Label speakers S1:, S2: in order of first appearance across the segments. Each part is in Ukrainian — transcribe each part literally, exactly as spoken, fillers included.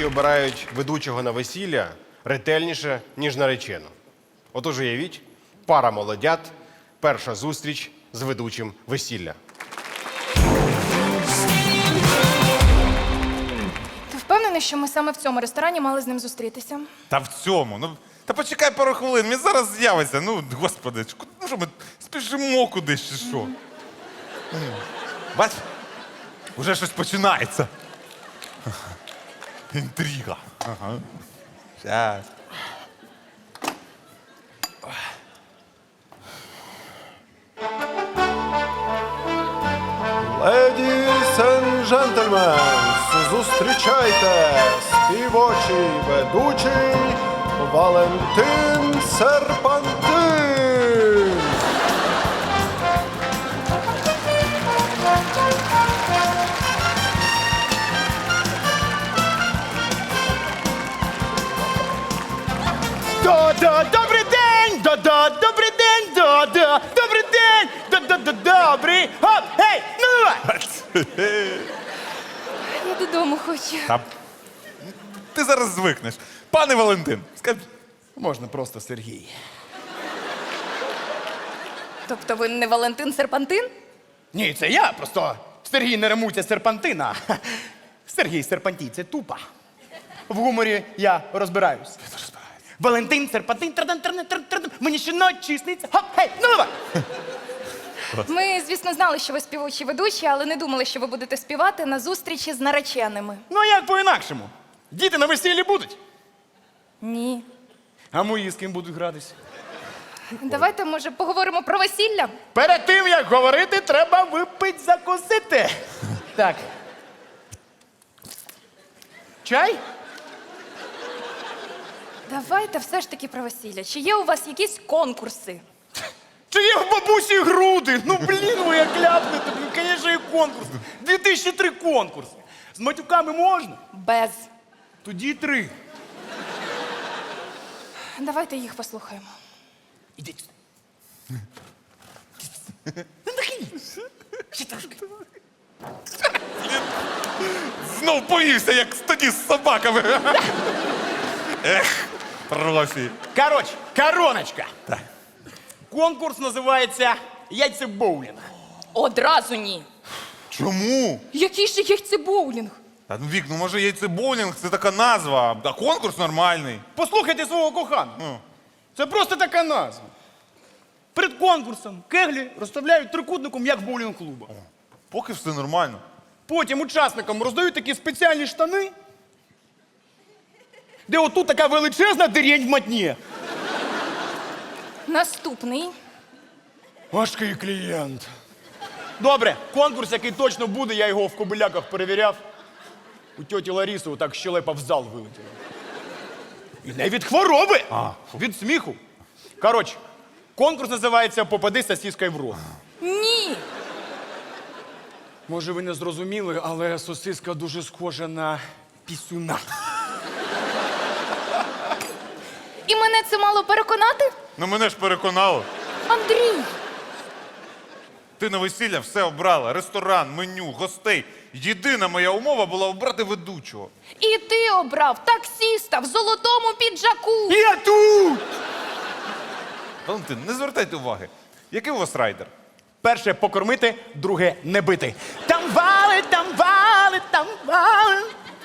S1: обирають ведучого на весілля ретельніше, ніж наречену. Отож, уявіть, пара молодят, перша зустріч з ведучим весілля.
S2: Ти впевнений, що ми саме в цьому ресторані мали з ним зустрітися?
S3: Та в цьому. Ну, та почекай пару хвилин, він зараз з'явиться. Ну, господи, ну що ми спішимо кудись чи що? Бач, уже щось починається. Інтрига. Ага. Щас.
S4: Ladies and gentlemen, зустрічайте співочий ведучий Валентин Серпантин.
S5: Да-да, добрий день! Да-да, добрий день! Да-да, добрий день! Да-да-да, добрий! Хоп, гей, ну давай!
S2: Я додому хочу.
S3: Та ти зараз звикнеш. Пане Валентин, скажіть.
S5: Можна просто Сергій.
S2: Тобто ви не Валентин Серпантин?
S5: Ні, це я, просто Сергій не римується з серпантина. Сергій Серпантій, це тупо. В гуморі я розбираюсь. Валентин Серпантин, традан, традан, традан, традан, мені щоночі сниться. Хоп, гей, ну давай!
S2: Ми, звісно, знали, що ви співучі ведучі, але не думали, що ви будете співати на зустрічі з нареченими.
S5: Ну а як по-інакшому? Діти на весіллі будуть?
S2: Ні.
S5: А мої з ким будуть гратися?
S2: Давайте, може, поговоримо про весілля?
S5: Перед тим, як говорити, треба випити, закусити. Так. Чай?
S2: Давайте все ж таки про весілля. Чи є у вас якісь конкурси?
S5: Чи є в бабусі груди? Ну, блін, ви як ляпнете, блін, звісно, є конкурс. дві тисячі три конкурси. З матюками можна?
S2: Без.
S5: Тоді три.
S2: Давайте їх послухаємо.
S5: Ідіть. Ну, нахиліться. Ще трошки.
S3: Знов повівся, як тоді з собаками. Ех, профі.
S5: Коротше, короночка. Конкурс називається яйцебоулінг.
S2: Одразу ні.
S3: Чому?
S2: Який ще яйцебоулінг?
S3: Та ну, Вік, ну може яйцебоулінг – це така назва, а конкурс нормальний.
S5: Послухайте свого коханого.
S3: Ну.
S5: Це просто така назва. Перед конкурсом кеглі розставляють трикутником, як в боулінг-клубах.
S3: Поки все нормально.
S5: Потім учасникам роздають такі спеціальні штани, де отут така величезна дирень в матні.
S2: Наступний.
S5: Важкий клієнт. Добре, конкурс, який точно буде, я його в Кобиляках перевіряв. У тьоті Ларіси отак щелепа в зал вилетіла. І не від хвороби, а від сміху. Коротше, конкурс називається «Попади сосіскою в рот».
S2: Ні.
S5: Може, ви не зрозуміли, але сосиска дуже схожа на пісюна.
S2: І мене це мало переконати?
S3: Ну мене ж переконало.
S2: Андрій!
S3: Ти на весілля все обрала. Ресторан, меню, гостей. Єдина моя умова була обрати ведучого.
S2: І ти обрав таксіста в золотому піджаку.
S5: Я тут!
S3: Валентин, не звертайте уваги. Який у вас райдер?
S5: Перше покормити, друге не бити. Там вали, там вали, там вали.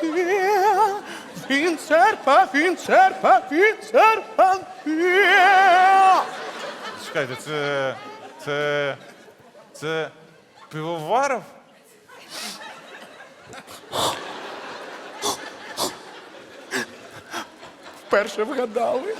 S5: Він серпа, він серпа, він серпа.
S3: Чекайте, це... це... це... Пивоваров?
S5: Перше вгадали.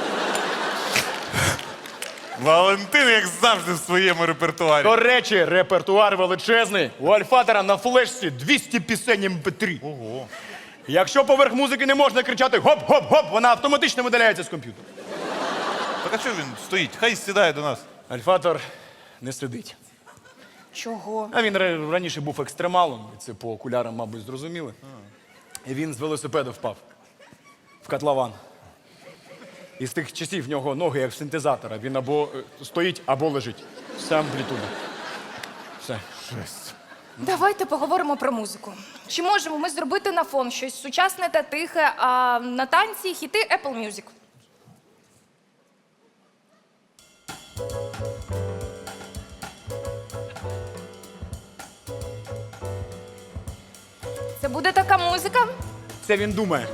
S3: Валентин, як завжди, в своєму репертуарі.
S5: До речі, репертуар величезний. У Альфатора на флешці двісті пісень ем пе три.
S3: Ого.
S5: Якщо поверх музики не можна кричати гоп-гоп-гоп, вона автоматично видаляється з комп'ютера.
S3: Так а чого він стоїть? Хай сідає до нас.
S5: Альфатор не сидить.
S2: Чого?
S5: А він ра- раніше був екстремалом, і це по окулярам, мабуть, зрозуміли. І він з велосипеда впав в котлован. І з тих часів в нього ноги, як в синтезатора. Він або е, стоїть, або лежить. Вся амплітуда. Все.
S3: Жесть.
S2: Давайте поговоримо про музику. Чи можемо ми зробити на фон щось сучасне та тихе, а на танці хіти Apple Music? Це буде така музика?
S5: Це він думає.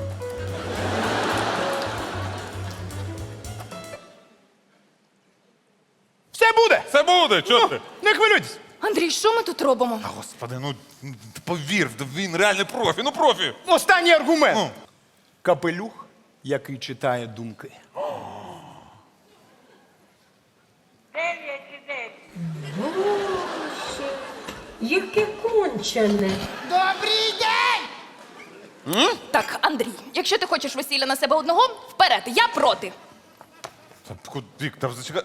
S5: Все буде!
S3: Це буде, чого ти?
S5: Не хвилюйтесь!
S2: Андрій, що ми тут робимо?
S3: Та, господи, ну повір, він реальний профі, ну профі.
S5: Останній аргумент.
S3: Ну.
S5: Капелюх, який читає думки.
S6: Дев'ять і десять. Боже, яке кончене.
S2: Так, Андрій, якщо ти хочеш весілля на себе одного, вперед, я проти.
S3: Та, Вік, та зачекай.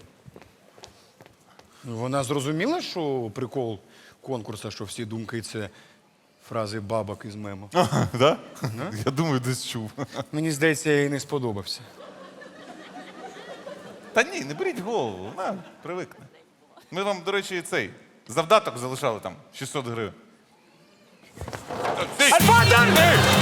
S5: Вона зрозуміла, що прикол конкурсу, що всі думки це фрази бабок із мему.
S3: Ага, да? Я думаю, десь чув.
S5: Мені здається, я їй не сподобався.
S3: Та ні, не беріть в голову, вона привикне. Ми вам, до речі, цей завдаток залишали там шістсот гривень. Альфа,